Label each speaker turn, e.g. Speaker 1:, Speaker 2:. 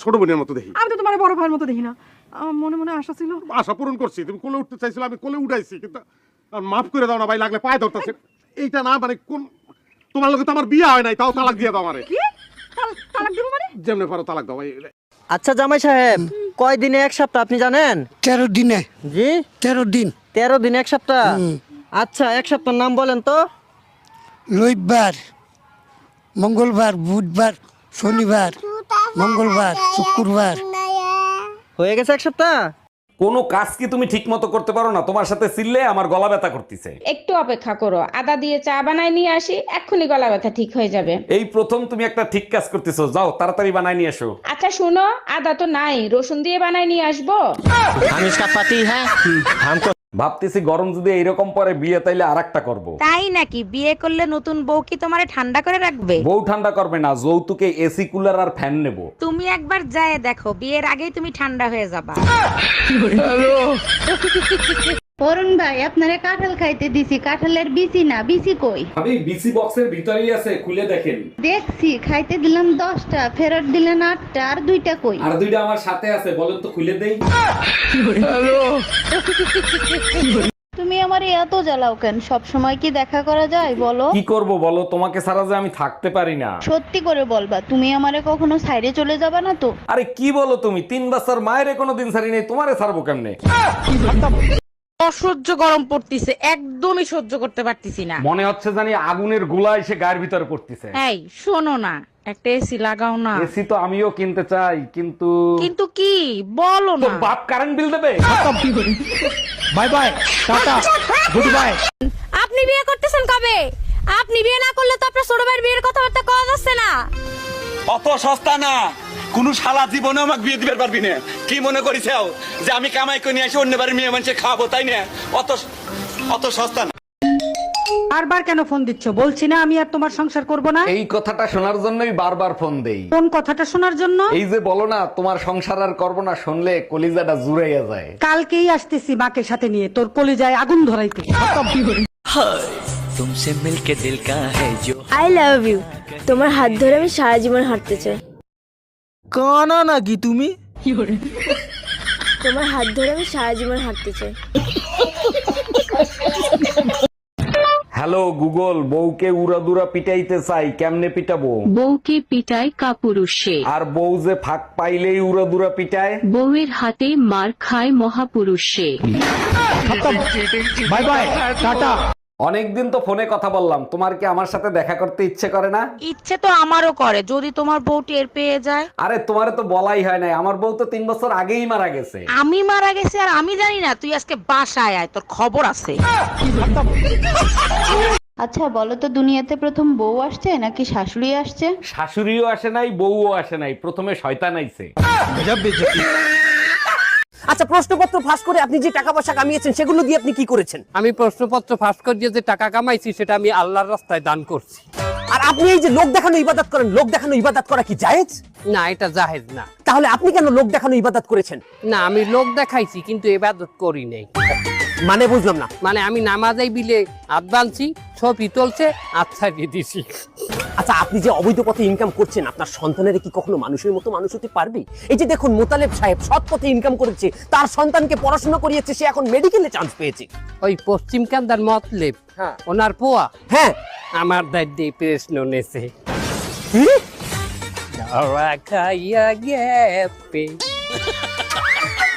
Speaker 1: ছোট বোনের মতো দেখি।
Speaker 2: আমি তো তোমার বড় ভাইয়ের মতো দেখি না। মনে মনে আশা ছিল।
Speaker 1: আশা পূরণ করছি, তুমি কোলে উঠতে চাইছিলে, আমি কোলে উঠাইছি, কিন্তু মাফ করে দাও না ভাই, লাগলে পায়ে ধরতেছে। এইটা না মানে কোন তোমার লগে তো আমার বিয়ে হয় নাই, তাও তালাক দিয়ে দাও আমারে।
Speaker 2: কি তালাক দিব মানে?
Speaker 1: যেমনে পারো তালাক দাও ভাই।
Speaker 3: আচ্ছা জামাই সাহেব, কয় দিনে এক সপ্তাহ আপনি জানেন?
Speaker 4: 13 দিনে।
Speaker 3: জি
Speaker 4: 13 দিন।
Speaker 3: 13 দিন এক সপ্তাহ। আচ্ছা এক সপ্তাহের নাম বলেন তো।
Speaker 4: রবিবার, মঙ্গলবার, বুধবার, শনিবার, মঙ্গলবার, শুক্রবার।
Speaker 3: হয়ে গেছে এক সপ্তাহ।
Speaker 5: কোনো কাজ কি তুমি ঠিক মতো করতে পারো না? তোমার সাথে চিল্লে আমার গলা ব্যথা করতেছে।
Speaker 6: একটু অপেক্ষা করো, আদা দিয়ে চা বানায় নিয়ে আসি, এক্ষুনি গলা ব্যথা ঠিক হয়ে যাবে।
Speaker 5: এই প্রথম তুমি একটা ঠিক কাজ করতেছো, যাও তাড়াতাড়ি বানাই নিয়ে এসো।
Speaker 6: আচ্ছা শুনো, আদা তো নাই, রসুন দিয়ে বানায় নিয়ে আসবো।
Speaker 3: हम इसका पति है हमको।
Speaker 5: ভাবতেছি গরম যদি এইরকম পরে বিয়ে, তাইলে আরেকটা করব।
Speaker 7: তাই নাকি? বিয়ে করলে নতুন বউ কি তোমারে ঠান্ডা করে রাখবে?
Speaker 5: বউ ঠান্ডা করবে না, যৌতুকে এসি কুলার আর ফ্যান নেব।
Speaker 7: তুমি একবার যায় দেখো, বিয়ের আগেই তুমি ঠান্ডা হয়ে যাবা।
Speaker 8: অরুণ ভাই, আপনারে কাঁঠাল খাইতে দিছি, কাঁঠালের বিচি না, বিচি কই?
Speaker 5: আমি বিসি বক্সের ভিতরেই আছে, খুলে দেখেন।
Speaker 8: দেখছি, খাইতে দিলাম 10টা, ফেরত দিলেন 8টা, আর 2টা কই?
Speaker 5: আর দুইটা আমার সাথে আছে, বলেন তো খুলে দেই।
Speaker 8: তুমি আমারে এত জ্বালাও কেন? সব সময় কি দেখা করা যায় বলো?
Speaker 5: কি করব বলো, তোমাকে ছাড়া যে আমি থাকতে পারি না।
Speaker 8: সত্যি করে বলবা, তুমি আমারে কখনো সাইডে চলে যাবা না তো?
Speaker 5: আরে কি বলো তুমি, 3 বছর মায়ের কোনো দিন ছাড়ি নেই, তোমারে ছাড়বো কেমনে?
Speaker 7: অসহ্য গরম পড়তিছে, একদমই সহ্য করতে পারতিছি না।
Speaker 5: মনে হচ্ছে জানি আগুনের গোলা এসে গায়ের ভিতরে পড়তেছে।
Speaker 7: এই শোনো না, একটা এসি লাগাও না।
Speaker 5: এসি তো আমিও কিনতে চাই, কিন্তু
Speaker 7: কিন্তু কি বলো
Speaker 5: তো
Speaker 7: না।
Speaker 5: বাপ কারেন্ট বিল দেবে।
Speaker 3: Bye bye tata good bye.
Speaker 7: আপনি বিয়ে করতেছেন কবে? আপনি বিয়ে না করলে তো আপনার ছোট ভাইয়ের বিয়ের কথাবার্তা কওয়া যাচ্ছে না।
Speaker 9: অত সস্তা না, কোন শালা জীবনে আমাকে বিয়ে দিতে পারবি না। কি মনে করিস যে আমি কামাই করে নিয়ে আসি অন্য বাড়ির মেয়ে মানুষের খাওয়াবো, তাই না? অত সস্তা না।
Speaker 2: বারবার কেন ফোন দিচ্ছ? বলছি না আমি আর তোমার সংসার করব না।
Speaker 5: এই কথাটা শোনার জন্যই বারবার ফোন দেই।
Speaker 2: কোন কথাটা শোনার জন্য?
Speaker 5: এই যে বলো না তোমার সংসার আর করবো না, শুনলে কলিজাটা জুড়াইয়া যায়।
Speaker 2: কালকেই আসতেছি মাকে সাথে নিয়ে, তোর কলিজায় আগুন ধরাইতে।
Speaker 10: तुमसे मिलके दिल का है जो
Speaker 11: আই লাভ ইউ। তোমার হাত ধরে আমি সারা জীবন হাঁটতে চাই।
Speaker 3: কানা নাকি তুমি?
Speaker 11: তোমার হাত ধরে আমি সারা জীবন হাঁটতে চাই।
Speaker 5: হ্যালো গুগল, বউকে উড়াদুরা পিটাইতে চাই, কেমনে পিটাবো?
Speaker 12: বউকে পিটায় কাপুরুষে,
Speaker 5: আর বউ যে ফাঁক পাইলেই উড়াদুরা পিটায়।
Speaker 12: বউয়ের হাতে মার খায় মহাপুরুষে।
Speaker 3: By bye tata.
Speaker 5: অনেকদিন তো ফোনে কথা বললাম, তোমার কি আমার সাথে দেখা করতে ইচ্ছে করে না?
Speaker 7: ইচ্ছে তো আমারও করে, যদি তোমার বউ টের পেয়ে যায়।
Speaker 5: আরে তোমারে তো বলাই হয় নাই, আমার বউ তো 3 বছর আগেই মারা গেছে।
Speaker 7: আমি মারা গেছি আর আমি জানি না? তুই আজকে বাসায় আয়, তোর খবর আছে।
Speaker 8: আচ্ছা বলো তো, দুনিয়াতে প্রথম বউ আসছে নাকি শাশুড়ি আসছে?
Speaker 5: শাশুড়িও আসে নাই, বউও আসে নাই, প্রথমে শয়তান আইছে।
Speaker 3: আচ্ছা প্রশ্নপত্র ফাঁস করে আপনি যে টাকা পয়সা কামিয়েছেন সেগুলো দিয়ে আপনি কি করেছেন?
Speaker 13: আমি প্রশ্নপত্র ফাঁস করে দিয়ে যে টাকা কামাইছি সেটা আমি আল্লাহর রাস্তায় দান করছি।
Speaker 3: আর আপনি এই যে লোক দেখানো ইবাদত করেন, লোক দেখানো ইবাদত করা কি জায়েজ?
Speaker 13: না, এটা জায়েজ না।
Speaker 3: তাহলে আপনি কেন লোক দেখানো ইবাদত করেছেন?
Speaker 13: না, আমি লোক দেখাইছি কিন্তু ইবাদত করি নাই।
Speaker 3: মানে বুঝলাম না।
Speaker 13: মানে আমি নামাজে বিলে হাত বাঁধছি, ছবি তুলছে, আচ্ছা দিয়ে দিছি।
Speaker 3: আচ্ছা আপনি যে অবৈধ পথে ইনকাম করছেন, আপনার সন্তানের কি কখনো মানুষের মতো মানুষ হতে পারবে? এই যে দেখুন মোতালেব সাহেব সৎ পথে ইনকাম করেছে, তার সন্তানকে পড়াশোনা করিয়েছে, সে এখন মেডিকেলে চান্স পেয়েছে।
Speaker 13: ওই পশ্চিম কান্দার মতলেব ওনার পোয়া
Speaker 3: হ্যাঁ
Speaker 13: আমার দাদি প্রশ্ন নেছে। খাইয়া গেপে